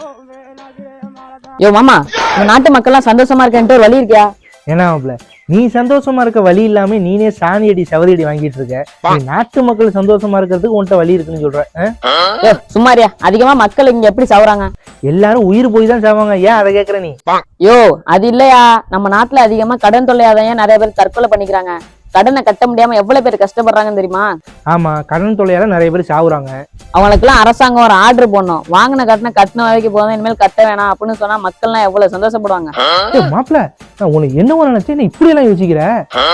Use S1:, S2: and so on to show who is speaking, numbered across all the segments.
S1: யோ மாமா, இந்த நாட்டு மக்கள் எல்லாம் சந்தோஷமா இருக்கேன்ட்டு ஒரு வழி இருக்கியா?
S2: ஏன்னா நீ சந்தோஷமா இருக்க வழி இல்லாம நீனே சாணி அடி சவதி அடி வாங்கிட்டு இருக்க. நீ நாட்டு மக்கள் சந்தோஷமா இருக்கிறதுக்கு உன்கிட்ட வழி இருக்குன்னு சொல்ற.
S1: சும்மாரியா, அதிகமா மக்கள் இங்க எப்படி சாவுறாங்க?
S2: எல்லாரும் உயிர் போய் தான் சாவாங்க. ஏன் அதை கேக்குற நீ?
S1: யோ அது இல்லையா, நம்ம நாட்டுல அதிகமா கடன் தொல்லையாதான் நிறைய பேர் தற்கொலை பண்ணிக்கிறாங்க. கடனை கட்ட முடியாம எவ்வளவு பேர் கஷ்டப்படுறாங்கன்னு தெரியுமா?
S2: ஆமா, கடன் தொல்லையால நிறைய பேர் சாவுறாங்க.
S1: அவங்களுக்கு எல்லாம் அரசாங்கம் ஒரு ஆர்டர் போடணும். வாங்கின கடனை கட்டின வரைக்கும் போதும், இனிமேல் கட்ட வேணாம் அப்படின்னு சொன்னா மக்கள் எல்லாம் எவ்வளவு சந்தோஷப்படுவாங்க.
S2: மாப்பிள்ள, நான் உனக்கு என்ன நினைச்சேன், நீ இப்படி எல்லாம் யோசிக்கிற?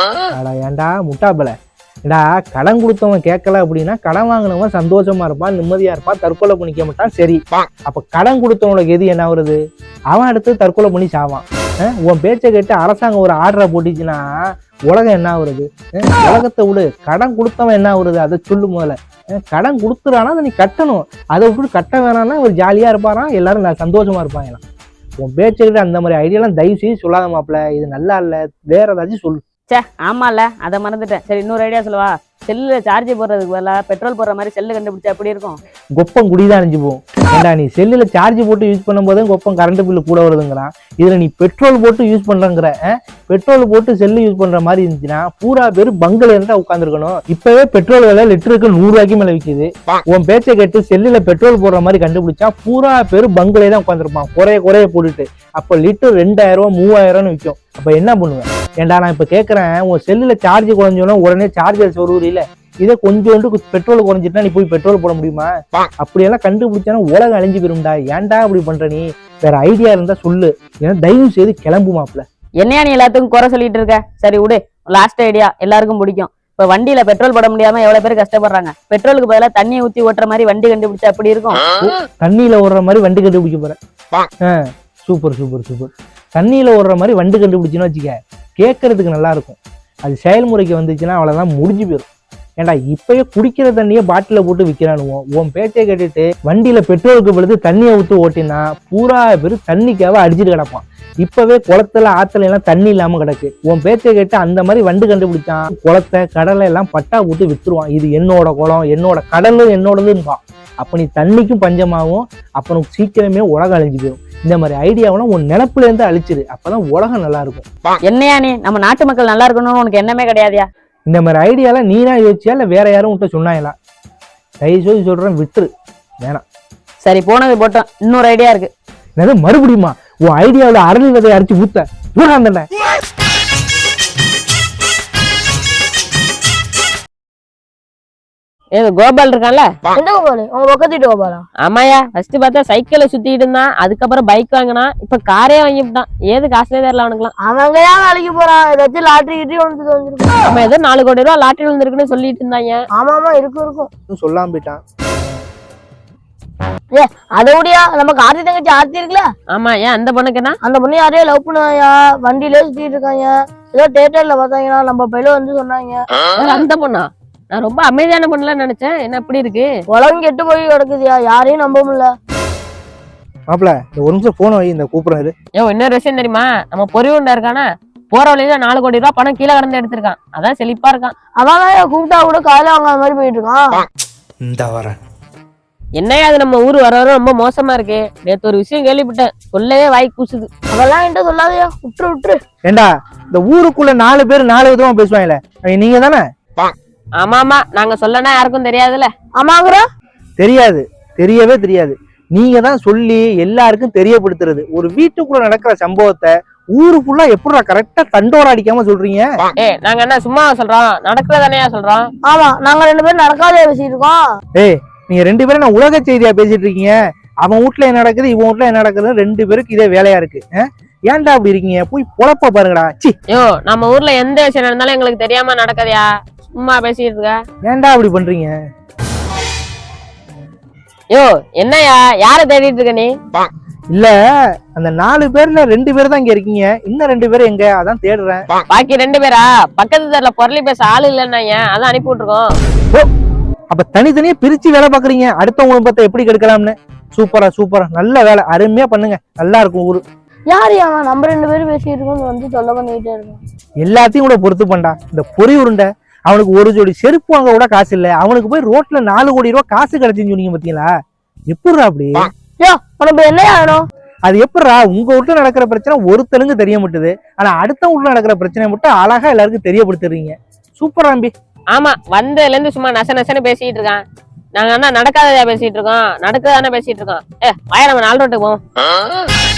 S2: ஏன்டா முட்டாப்பல, ஏடா கடன் கொடுத்தவன் கேட்கல அப்படின்னா கடன் வாங்கினவன் சந்தோஷமா இருப்பான், நிம்மதியா இருப்பான், தற்கொலை பண்ணிக்க மாட்டான். சரி, அப்ப கடன் கொடுத்தவனுக்கு எது என்ன வருது? அவன் அடுத்து தற்கொலை பண்ணி சாவான். உன் பேச்சை கேட்டு அரசாங்கம் ஒரு ஆர்டரை போட்டுச்சுன்னா உலகம் என்ன ஆகுறது? உலகத்தை விடு, கடன் கொடுத்தவன் என்ன ஆகுறது அதை சொல்லு. முதல்ல கடன் கொடுத்துறானா அதை நீ கட்டணும். அதை விட்டு கட்ட வேணாம்னா ஒரு ஜாலியா இருப்பாரான், எல்லாரும் நான் சந்தோஷமா இருப்பாங்களாம். உன் பேச்சை கிட்ட அந்த மாதிரி ஐடியாலாம் தயவு செய்து சொல்லாத மாப்பிள்ள. இது நல்லா இல்ல, வேற ஏதாச்சும் சொல்லு.
S1: சே ஆமால, அதை மறந்துட்டேன். சரி, இன்னொரு ஐடியா சொல்லவா? செல்லுல சார்ஜ் போடுறதுக்கு பதிலா பெட்ரோல் போடுற மாதிரி செல்லு கண்டுபிடிச்சா எப்படி இருக்கும்?
S2: கொப்பம் குடிதான் அணிஞ்சு போகும். ஏண்டா நீ செல்லுல சார்ஜ் போட்டு யூஸ் பண்ணும் போதே கொப்பம் கரண்ட் பில்லு கூட வருதுங்கிறான். இதுல நீ பெட்ரோல் போட்டு யூஸ் பண்றங்கிற. பெட்ரோல் போட்டு செல்லு யூஸ் பண்ற மாதிரி இருந்துச்சுன்னா பூரா பேர் பங்கல இருந்தா உட்காந்துருக்கணும். இப்பவே பெட்ரோல் விலை லிட்டருக்கு 100 ரூபாய்க்கு மேல விற்குது. உன் பேச்சை கேட்டு செல்லுல பெட்ரோல் போடுற மாதிரி கண்டுபிடிச்சா பூரா பேர் பங்கலே தான் உட்காந்துருப்பான், குறைய போட்டுட்டு. அப்ப லிட்டர் 2000 3000 விற்கும். அப்ப என்ன பண்ணுவேன்? ஏண்டா நான் இப்ப கேட்கறேன், உன் செல்லுல சார்ஜ் குறைஞ்சோன்னா உடனே சார்ஜர் சொருவுறில, இதே கொஞ்சோண்டு பெட்ரோல் குறைஞ்சிட்டா நீ போய் பெட்ரோல் போட முடியுமா? அப்படியெல்லாம் கண்டுபிடிச்சானா உலகம் அழிஞ்சு போயிரும்டா. ஏன்டா அப்படி பண்ற நீ? வேற ஐடியா இருந்தா சொல்லு, ஏன்னா தயவு செய்து கிளம்பு மாப்ள.
S1: என்னையா நீ எல்லாத்துக்கும் குறை சொல்லிட்டு இருக்க? சரி விடு, லாஸ்ட் ஐடியா எல்லாருக்கும் பிடிக்கும். இப்ப வண்டியில பெட்ரோல் போட முடியாம எவ்வளவு பேர் கஷ்டப்படுறாங்க. பெட்ரோலுக்கு பதிலா தண்ணியை ஊத்தி ஓட்டுற மாதிரி வண்டி கண்டுபிடிச்சா எப்படி இருக்கும்?
S2: தண்ணியில ஓடுற மாதிரி வண்டி கண்டுபிடிக்க போறேன். சூப்பர். தண்ணியில ஓடுற மாதிரி வண்டி கண்டுபிடிச்சுன்னு வச்சுக்க, கேட்கறதுக்கு நல்லா இருக்கும். அது செயல்முறைக்கு வந்துச்சுன்னா அவ்வளவுதான், முடிஞ்சு போயிடும். ஏண்டா இப்பயே குடிக்கிற தண்ணியை பாட்டில போட்டு விற்கிறானுவோம். உன் பேச்சை கேட்டுட்டு வண்டியில பெட்ரோலுக்கு பொழுது தண்ணியை ஊற்றி ஓட்டினா பூரா பேர் தண்ணிக்காக அடிச்சுட்டு கிடப்பான். இப்பவே குளத்துல ஆத்துல எல்லாம் தண்ணி இல்லாம கிடக்கு. உன் பேச்சை கேட்டு அந்த மாதிரி வண்டு கண்டுபிடிச்சான், குளத்தை கடலை எல்லாம் பட்டா போட்டு வித்துருவான். இது என்னோட குளம், என்னோட கடலும் என்னோடதுன்பான். அப்ப நீ தண்ணிக்கும் பஞ்சமாகும். அப்புறம் சீக்கிரமே உலகம் அழிஞ்சு போயிடும். இந்த மாதிரி ஐடியாவெல்லாம் உன் நினப்புல இருந்து அழிச்சிரு, அப்பதான் உலகம் நல்லா இருக்கும்.
S1: என்னையா நீ நம்ம நாட்டு மக்கள் நல்லா இருக்கணும்னு உனக்கு என்னமே கிடையாதியா?
S2: இந்த மாதிரி ஐடியாலாம் நீனா யோசிச்சியா இல்ல வேற யாரும் உன்ட்ட சொன்னாங்களா? தயவு சொல்றேன், விட்டுரு, வேணாம்.
S1: சரி, போனது போட்டோம். இன்னொரு ஐடியா இருக்கு.
S2: என்னது மறுபடியுமா? உன் ஐடியாவில் அரளி விதையை அரைச்சு ஊத்த ஊராந்தண்ட.
S1: ஏதோ கோபால் இருக்கான்ல?
S3: எந்த கோபால்? உங்க பக்கத்து வீட்டு கோபாலா?
S1: ஆமாயா, ஃபர்ஸ்ட் பார்த்தா சைக்கிளை சுத்திட்டு இருந்தான், அதுக்கப்புறம் பைக் வாங்கினா, இப்ப காரே வாங்கிவிட்டான். ஏது காசுலே தெரியல அவனுக்குலாம்.
S3: அவங்க ஏன் வேலைக்கு போறான்? ஏதாச்சும் லாட்டரி கிட்டி வந்துருக்கு.
S1: நம்ம ஏதோ 4 கோடி ரூபா லாட்டரி வந்துருக்குன்னு சொல்லிட்டு இருந்தாங்க.
S3: ஆமா இருக்கும்
S2: சொல்லாம போயிட்டான்.
S3: அதை விடியா, நமக்கு ஆர்த்தி தங்கச்சி ஆர்த்தி இருக்குல்ல?
S1: ஆமா, ஏன் அந்த பொண்ணுக்கு என்ன?
S3: அந்த பொண்ணு யாரையோ லவ் பண்ணாயா, வண்டியிலே சுத்திட்டு இருக்காங்க. ஏதோ தியேட்டர்ல பார்த்தாங்கன்னா நம்ம பையில வந்து சொன்னாங்க.
S1: அந்த பொண்ணா? நான் ரொம்ப அமைதியான பொண்ணுலாம் நினைச்சேன். என்ன இப்படி இருக்கு?
S3: உலகம் கெட்டு போய் கிடக்குதியா, யாரையும் நம்ப முடியல.
S2: மாப்பிள்ள, ஒரு நிமிஷம் போன வை, இந்த கூப்பிடுறாரு.
S1: இன்னொரு விஷயம் தெரியுமா? நம்ம பொறிவுண்டா இருக்கானா, போற வழியில 4 கோடி ரூபா பணம் கீழே கடந்து எடுத்திருக்கான். அதான் செழிப்பா இருக்கான்.
S3: அதான் கூப்பிட்டா கூட காலையில வாங்காத மாதிரி போயிட்டு இருக்கான்.
S2: இந்த வரேன்.
S1: என்னையா அது, நம்ம ஊர் வர ரொம்ப மோசமா இருக்கு. நேத்து ஒரு விஷயம் கேள்விப்பட்டேன், சொல்லவே வாய் கூசுது.
S3: அதெல்லாம் என்கிட்ட சொல்லாதையா, விட்டுரு.
S2: ஏண்டா இந்த ஊருக்குள்ள 4 பேர் 4 விதமா பேசுவாங்கல்ல, நீங்க தானே?
S1: ஆமா, நாங்க சொல்லனா யாருக்கும் தெரியாதுல்ல.
S3: ஆமாங்கிற
S2: தெரியாது, தெரியவே தெரியாது. நீங்க தான் சொல்லி எல்லாருக்கும் தெரியப்படுத்துறது. ஒரு வீட்டுக்குள்ள நடக்கிற சம்பவத்தை ஊரு ஃபுல்லா எப்படா கரெக்டா தண்டோர அடிக்காம சொல்றீங்க?
S1: நாங்க என்ன சும்மா சொல்றோம், நடக்கிறதானே சொல்றோம்.
S3: ஆமா, நாங்க 2 பேரும் நடக்காதே பேசிட்டு இருக்கோம்.
S2: நீங்க 2 பேரும் நான் உலக செய்தியா பேசிட்டு இருக்கீங்க. அவன் வீட்டுல என்ன நடக்குது, இவன் வீட்டுல என்ன நடக்குது, 2 பேருக்கு இதே வேலையா இருக்கு. ஏன்டா அப்படி இருக்கீங்க? போய் பொழப்ப பாருங்கடா.
S1: நம்ம ஊர்ல எந்த விஷயம் நடந்தாலும் எங்களுக்கு தெரியாம நடக்கதையா? சும்மா பேசிட்டு இருக்க.
S2: ஏன்டா அப்படி பண்றீங்க?
S1: என்னையா யார தேடிட்டு இருக்க நீ?
S2: இல்ல, அந்த 4 பேர்ல 2 பேர் தான் இங்க இருக்கீங்க. இன்னும் 2 பேர் எங்க? அதான் தேடுறேன்.
S1: பாக்கி 2 பேரா? பக்கத்து தெருல பொருளி பேச ஆளு இல்லன்னா அதான் அனுப்பி விட்டுருக்கோம்.
S2: அப்ப தனித்தனியா பிரிச்சு வேலை பாக்குறீங்க, அடுத்தவங்களை பார்த்தா எப்படி கெடுக்கலாம்னு. சூப்பரா, நல்ல வேலை, அருமையா பண்ணுங்க, நல்லா இருக்கும் ஊரு.
S3: யாரு அவன்? நம்ம 2 பேரும் பேசிட்டு இருக்கோம் வந்து தொல்லை பண்ணிட்டே இருக்கோம்.
S2: எல்லாத்தையும் கூட பொறுத்து பண்ணா. இந்த பொறி உருண்டை அவனுக்கு ஒரு ஜோடி செருப்பு வாங்க கூட காசு இல்ல, அவனுக்கு போய் ரோட்ல 4 கோடி ரூபாய் காசு கிடைச்சுன்னு சொன்னீங்க பாத்தீங்களா? எப்படிடா அப்படி?
S3: உனக்கு என்ன ஆகணும்?
S2: அது எப்படிடா உங்க வீட்டுல நடக்கிற பிரச்சனை ஒருத்தனுக்கு தெரிய மாட்டுது, ஆனா அடுத்த வீட்டுல நடக்கிற பிரச்சனை மட்டும் அழகா எல்லாருக்கும் தெரியப்படுத்துறீங்க. சூப்பரா அம்பி.
S4: ஆமா, வந்ததுல இருந்து சும்மா நச நசன்னு பேசிட்டு இருக்கான். நாங்க என்ன நடக்காததா பேசிட்டு இருக்கோம், நடக்குதானே பேசிட்டு இருக்கோம். வாயா நம்ம 4 ரோட்டுக்கு போவோம்.